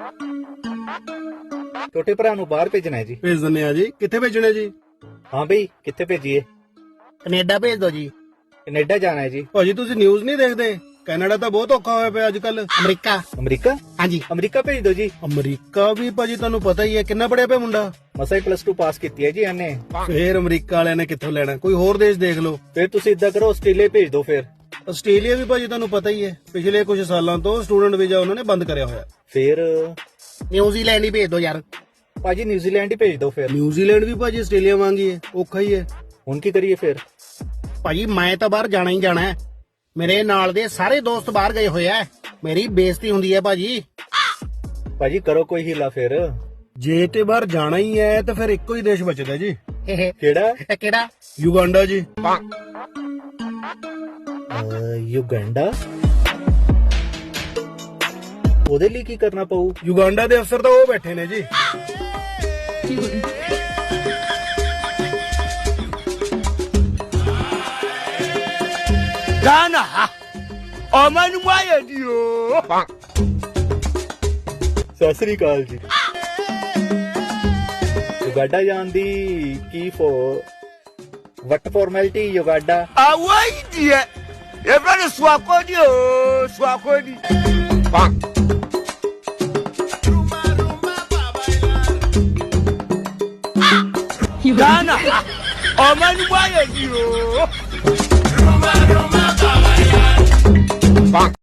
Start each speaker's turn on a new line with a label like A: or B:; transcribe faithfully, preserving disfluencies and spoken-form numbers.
A: ਛੋਟੇ ਭਰਾ ਨੂੰ ਬਾਹਰ ਭੇਜਣਾ ਹੈ ਜੀ।
B: ਭੇਜ ਦਿੰਦੇ ਆ ਜੀ। ਕਿੱਥੇ ਭੇਜਣਾ ਜੀ?
A: ਹਾਂ ਬਈ, ਕਿੱਥੇ ਭੇਜੀਏ?
C: ਕੈਨੇਡਾ ਭੇਜ ਦੋ ਜੀ।
A: ਕੈਨੇਡਾ ਜਾਣਾ ਹੈ ਜੀ।
B: ਭਾਜੀ ਤੁਸੀਂ ਨਿਊਜ਼ ਨਹੀਂ ਦੇਖਦੇ? ਕੈਨੇਡਾ ਤਾਂ ਬਹੁਤ ਔਖਾ ਹੋਇਆ ਪਿਆ ਅੱਜ ਕੱਲ।
C: ਅਮਰੀਕਾ।
A: ਅਮਰੀਕਾ?
C: ਹਾਂਜੀ।
A: ਅਮਰੀਕਾ ਭੇਜ ਦਿਓ ਜੀ।
B: ਅਮਰੀਕਾ ਵੀ ਭਾਜੀ ਤੁਹਾਨੂੰ ਪਤਾ ਹੀ ਹੈ ਕਿੰਨਾ ਪੜਿਆ ਪਿਆ ਮੁੰਡਾ।
A: ਮਸਾਂ ਹੀ ਪਲੱਸ ਟੂ ਪਾਸ ਕੀਤੀ ਹੈ ਜੀ ਇਹਨੇ।
B: ਫੇਰ ਅਮਰੀਕਾ ਵਾਲਿਆਂ ਨੇ ਕਿੱਥੋਂ ਲੈਣਾ? ਕੋਈ ਹੋਰ ਦੇਸ਼ ਦੇਖ ਲਓ।
A: ਫਿਰ ਤੁਸੀਂ ਇਦਾਂ ਕਰੋ, ਆਸਟ੍ਰੇਲੀਆ ਭੇਜ ਦਿਓ ਫਿਰ।
B: ਆਸਟ੍ਰੇਲੀਆ ਵੀ ਭਾਜੀ ਤੁਹਾਨੂੰ ਪਤਾ ਹੀ ਹੈ ਪਿਛਲੇ ਕੁਝ ਸਾਲਾਂ ਤੋਂ ਸਟੂਡੈਂਟ ਵੀਜ਼ਾ ਉਹਨਾਂ ਨੇ ਬੰਦ ਕਰਿਆ ਹੋਇਆ।
A: ਫਿਰ
C: ਨਿਊਜ਼ੀਲੈਂਡ ਹੀ ਭੇਜ ਦੋ ਯਾਰ।
A: ਭਾਜੀ ਨਿਊਜ਼ੀਲੈਂਡ ਹੀ ਭੇਜ ਦਿਓ ਫਿਰ।
B: ਨਿਊਜ਼ੀਲੈਂਡ ਵੀ ਭਾਜੀ ਆਸਟ੍ਰੇਲੀਆ ਵਾਂਗੀ ਹੈ, ਔਖਾ ਹੀ ਹੈ।
A: ਹੁਣ ਕੀ ਕਰੀਏ ਫਿਰ?
C: ਭਾਜੀ ਮੈਂ ਤਾਂ ਬਾਹਰ ਜਾਣਾ ਹੀ ਜਾਣਾ ਹੈ। ਮੇਰੇ ਨਾਲ ਦੇ ਸਾਰੇ ਦੋਸਤ ਬਾਹਰ ਗਏ ਹੋਏ ਆ। ਮੇਰੀ ਬੇਇੱਜ਼ਤੀ ਹੁੰਦੀ ਹੈ ਭਾਜੀ।
A: ਭਾਜੀ ਕਰੋ ਕੋਈ ਹੀਲਾ ਫਿਰ।
B: ਜੇ ਤੇ ਬਾਹਰ ਜਾਣਾ ਹੀ ਹੈ ਤਾਂ ਫਿਰ ਇੱਕੋ ਹੀ ਦੇਸ਼ ਬਚਦਾ ਜੀ।
A: ਕਿਹੜਾ?
C: ਇਹ ਕਿਹੜਾ?
B: ਯੁਗਾਂਡਾ ਜੀ।
A: ਅਹ, ਯੁਗੰਡਾ? ਉਹਦੇ ਲਈ ਕੀ ਕਰਨਾ ਪਊ?
B: ਯੁਗਾਂਡਾ ਦੇ ਅਫਸਰ ਤਾਂ ਉਹ ਬੈਠੇ ਨੇ ਜੀ।
D: Ghana ha ọmọnú wáyé ni o.
A: ਸਤਿ ਸ੍ਰੀ ਅਕਾਲ ਜੀ। ਯੁਗਾਡਾ ਜਾਣ ਦੀ ਕੀ ਫੋ ਵਟ ਫਾਰਮੈਲਿਟੀ? ਯੁਗਾਡਾ
D: àwọn ìdí ẹ ẹgbẹ́ ni suwakodi o suwakodi. Ghana ha ọmọnú wáyé ni o.